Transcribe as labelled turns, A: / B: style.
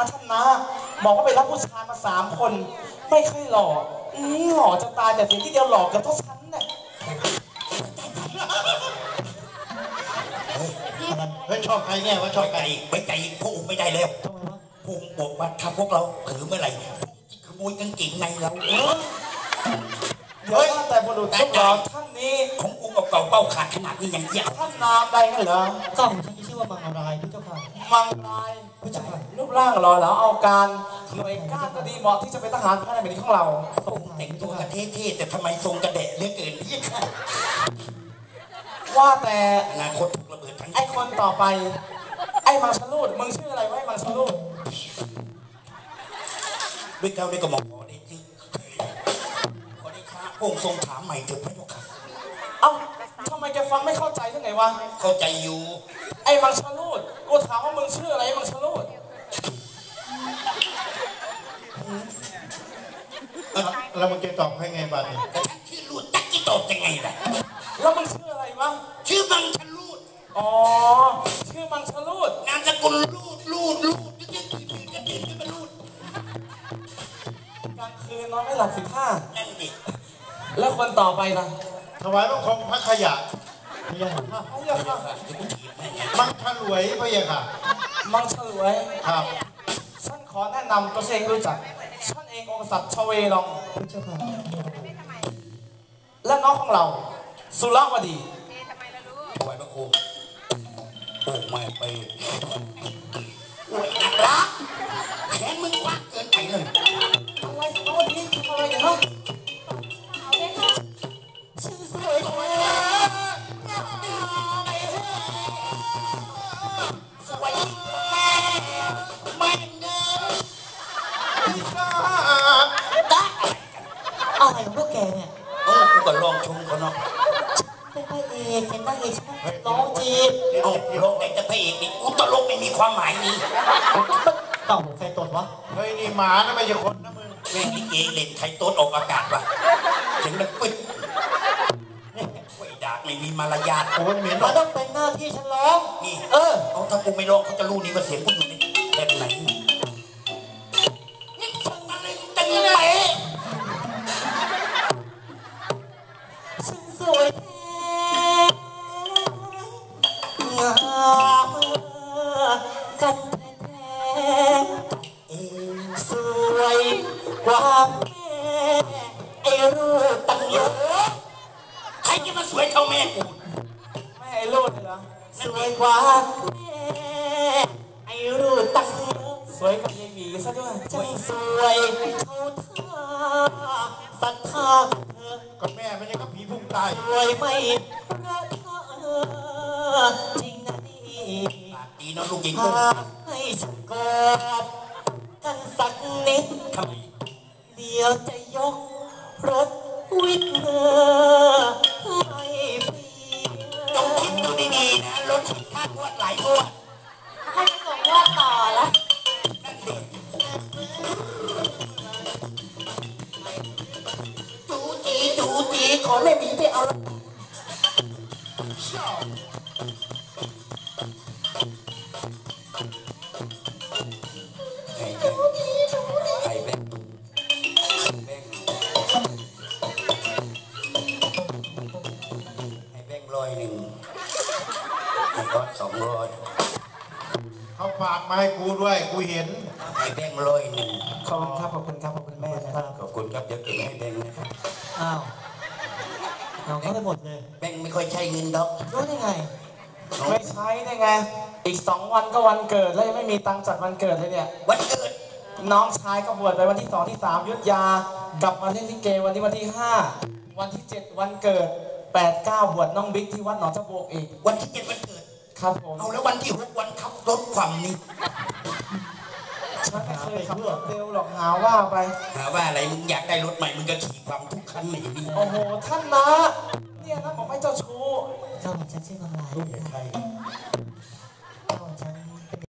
A: ท่านนะบอกว่าไปรับผู้ชายมา3 คนไม่ค่อยหล่อหล่อจะตายแต่เพียงที่เดียวหล่อกับเท่าฉันเนี่ย
B: เฮ้ยชอบใครเนี่ยว่าชอบใคร
C: ไว้ใจพวกอุ้มไม่ได้แล้วพวกบอกว่าถ้าพวกเราเผลอเมื่อไหร่ขโมยกางเกงในเรา
A: เดี๋ยวแต่บุรุษทุกเราท่านนี้
C: ของกูเก่าเป้าขาดขนาดนี้ยังเที่ยว
A: ท่านนามใดกันเหรอ
D: เจ้าท่านชื่อว่ามังรายพระเจ้าค่ะ
A: มังรายพระเจ้าค่ะรูปร่างหล่อเหลาเอาการหน่วยก้านก็ดีเหมาะที่จะเป็นทหารภายในแผ่นดินของเรา
C: แต่งตัวกระเท่ๆแต่ทำไมทรงกระเดะเลือเกินพี่ค่ะ
A: ว่าแต่
C: อนาคตถูกระเบิดทั้ง
A: ไอ้คนต่อไปไอ้มังชลูดมึงชื่ออะไรวะไอ้มังชลูด
C: ด้วยเก้าด้วยกระหม่อมขอได้ชื่อขอได้ช้าพระองค์ทรงถามใหม่เถิดพระเจ้าค่ะ
A: เอ้าทำไมแกฟังไม่เข้าใจได้ไงวะ
C: เข้าใจอยู่
A: ไอ้มังชลูดกูถามว่ามึงชื่ออะไรมังชลูด
B: แล้วมึงจะตอบให้ไงบ้างเนี่ย
C: ชื่อลูดจักกี้ตอบยังไงล่ะ
A: แล้วมึงชื่ออะไรวะ
C: ชื่อมังชลูด
A: อ๋อชื่อมังชลูด
C: นามสกุลลูดจะตื่นขึ้นมาลูด
A: กลางคืนนอนไม่หลับ15
C: นั่นดิ
A: แล้วคนต่อไปล่ะ
B: ถวายบังคมพระขยะพระยาค่ะมังฉลวยพระยาค่ะ
A: มังฉลวย
B: ครับ
A: ฉันขอแนะนำตัวเองรู้จักฉันเององค์สัตว์ชเวลองและน้องของเราสุรวดี
C: ถวายบังคมโอ้ไม่ไปโอ้ยนักรักแขนมึงกว้างเกินไปเลย
A: อะไรสุรวดีทำอะไรอย่างนั้นชื่อสวยสวย
C: แม่เดิน
D: อะไรของพวกแกเนี่ย
C: กูก็ลองชมเขาเนาะ
D: เป็นพระเอกเป็นนางเอกร้องจีบ
C: ลงแต่พระเอกนี่กูตลกไม่มีความหมายนี่
D: ต้องใครตดวะ
B: เฮ้ยนี่หมานะไม่ใช่คนนะมึง
C: แม่งนี่เกย์เล่นใครต้นออกอากาศวะเสียงดังปึ๊ดไอ้ดากไม่มีมารยาท
B: โอ้ยเหม็น
D: มันต้องเป็นหน้าที่ฉันร้อง
C: นี่เอาถ้ากูไม่ร้องเขาจะรู้นี่ว่าเสียงกูอยู่ในแบบไหนนี่ทำอะไรจังเลย
D: ฉันสวยแท้งามกันแท้สวยกว่าแม่ไอ้รูปตั้งเยอะ
C: ใครจะมาสวยเท่าแม่กู
A: แม่ไอ้รูดเหรอ
D: สวยกว่าแม่ไอ้รูปตั้งเยอะ
A: สวยกว่ายายหมีซะด้วย
D: จังสวยเท่าท่าศรัทธาเธอ
B: กับแม่ไม่ใช่กับผีพุ่งตาย
D: สวยไม่รักเธอจริงนะนี่
C: ดีนะลูกหญิง
D: ให้ฉันกอดกันสักนิด
C: ทำไม
D: เดี๋ยวจะยกรถวิทย์เธอให้ฟรี
C: ต้องคิดดูดีๆนะรถค่างวดหลายงวด
D: ให้ส่งว่าต่อแล้ว
C: จูจีขอแม่หมีไปเอา
B: เขาฝากมาให้กูด้วยกูเห็น
C: ให้แบงค์100
A: ขอบคุณครับขอบคุณครับขอบคุณแม่นะครับ
C: ขอบคุณครับเดี๋ยวเก็บให้แบงค์นะครับ
D: อ้าวเอาเข้าไปหมดเลย
C: แบงค์ไม่ค่อยใช้เงินดอก
D: รู้ได้ไง
A: ไม่ใช้ได้ไงอีก2 วันก็วันเกิดแล้วยังไม่มีตังค์จัดวันเกิดเลยเนี่ย
C: วันเกิด
A: น้องชายก็บวชไปวันที่2ที่3ยุทธยากลับมาเล่นลิเกวันที่5วันที่7วันเกิด8 9บวชน้องบิ๊กที่วัดหนองจบกอีก
C: วันที่7วันเกิด
A: ครับผม
C: เอาแล้ววันที่6วันขับรถความนี่
A: ฉันไม่เคยขับรถเร็วหรอกหาว่าไป
C: หาว่าอะไรมึงอยากได้รถใหม่มึงก็ขี่ความทุกคันไม่ดี
A: โอ้โหท่านนะเนี่ยนะผมให้เจ้าชู้
D: เจ้าเหมือนฉันชื่อมังราย
C: ใคร